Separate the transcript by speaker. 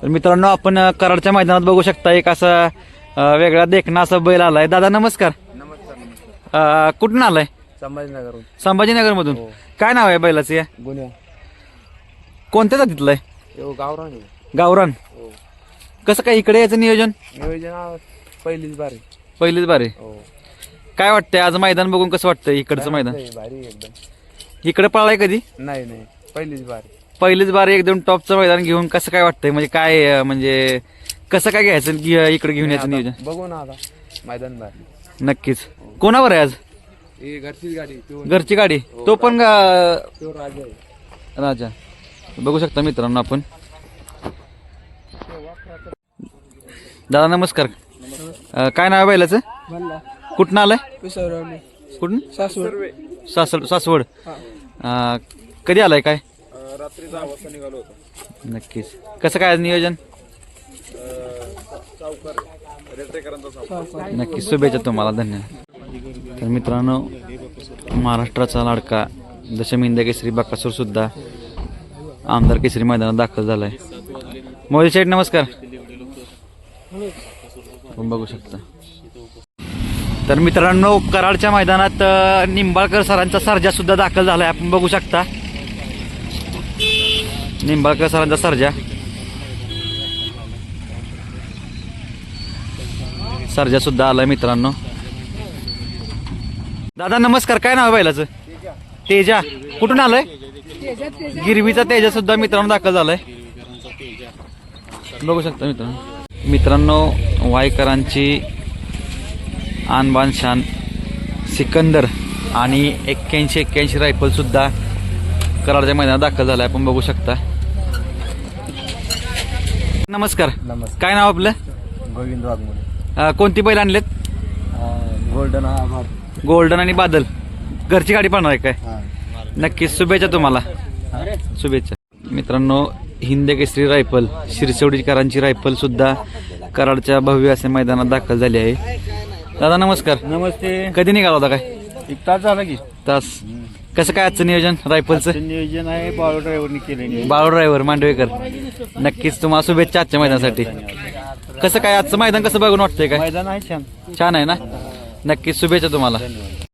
Speaker 1: तर मित्रांनो आपण कराडच्या मैदानात बघू शकता एक असा वेगळा देखणा असा बैल आलाय. दादा नमस्कार.
Speaker 2: नमस्कार.
Speaker 1: कुठून आलाय?
Speaker 2: संभाजीनगर.
Speaker 1: संभाजीनगर मधून. काय नाव आहे बैलाचं? या
Speaker 2: गुन्हा
Speaker 1: कोणत्या जातीतलं आहे?
Speaker 2: गावरान.
Speaker 1: गावरान. कसं काय इकडे याचं नियोजन?
Speaker 2: नियोजन पहिलीच बारी.
Speaker 1: पहिलीच बारी. काय वाटतंय आज मैदान बघून कसं वाटतंय इकडचं मैदान?
Speaker 2: भारी एकदम.
Speaker 1: इकडे पळालाय कधी?
Speaker 2: नाही पहिलीच बारी.
Speaker 1: पहिलीच बारी एकदम टॉपचं मैदान घेऊन कसं काय वाटतंय? म्हणजे काय म्हणजे कसं काय घ्यायचं इकडे घेऊन यायचं नियोजन?
Speaker 2: बघू ना आता मैदान भारी.
Speaker 1: नक्कीच. कोणावर आहे आज?
Speaker 2: घरचीच गाडी.
Speaker 1: घरची गाडी. तो पण
Speaker 2: तो राजा आहे.
Speaker 1: राजा. बघू शकता मित्रांनो आपण. दादा नमस्कार. काय नाव आहे बैलाचं? कुठं आलंय? कुठून? सासवड. कधी आलाय? काय
Speaker 2: रात्री 10 वाजता निघालो होतो.
Speaker 1: नक्कीच. कसं काय नियोजन? नक्कीच. शुभेच्छा तुम्हाला. धन्यवाद. तर मित्रांनो महाराष्ट्राचा लाडका दशमिंद केसरी बकासूर सुद्धा आमदार केसरी मैदानात दाखल झालाय. मोदी साहेब नमस्कार. आपण बघू शकता. तर मित्रांनो कराडच्या मैदानात निंबाळकर सरांचा सर्जा सुद्धा दाखल झालाय. आपण बघू शकता निंबाळकर सरांचा सर्जा. सर्जा सुद्धा आलाय मित्रांनो. दादा नमस्कार. काय नाव आहे बैलाचं? तेजा. कुठून आलाय? गिरवीचा तेजा सुद्धा मित्रांनो दाखल झालाय. बघू शकता मित्रांनो वायकरांची आणबान शान सिकंदर आणि 81 रायफल सुद्धा कराडच्या मैदानात दाखल झालाय. आपण बघू शकता. नमस्कार. काय नाव आपलं?
Speaker 2: गोविंद वाघमोडे.
Speaker 1: कोणती बैल आणलेत? गोल्डन आणि बादल. घरची गाडी पाहणार आहे काय? नक्कीच. शुभेच्छा तुम्हाला. शुभेच्छा. मित्रांनो हिंद केसरी रायफल शिरसवडीकरांची रायफल सुद्धा कराडच्या भव्य असे मैदानात दाखल झाली आहे. दादा नमस्कार.
Speaker 2: नमस्ते.
Speaker 1: कधी निघाला होता? काय
Speaker 2: 1 तास झाला की.
Speaker 1: तास. कसं काय आजचं नियोजन रायफलचं?
Speaker 2: नियोजन आहे बाळू ड्रायव्हरने केले.
Speaker 1: बाळू ड्रायव्हर मांडवेकर. नक्कीच तुम्हाला शुभेच्छा आजच्या मैदानासाठी. कसं काय आजचं मैदान कसं बघून वाटतंय? काय
Speaker 2: मैदान आहे छान.
Speaker 1: छान आहे ना? नक्कीच. शुभेच्छा तुम्हाला.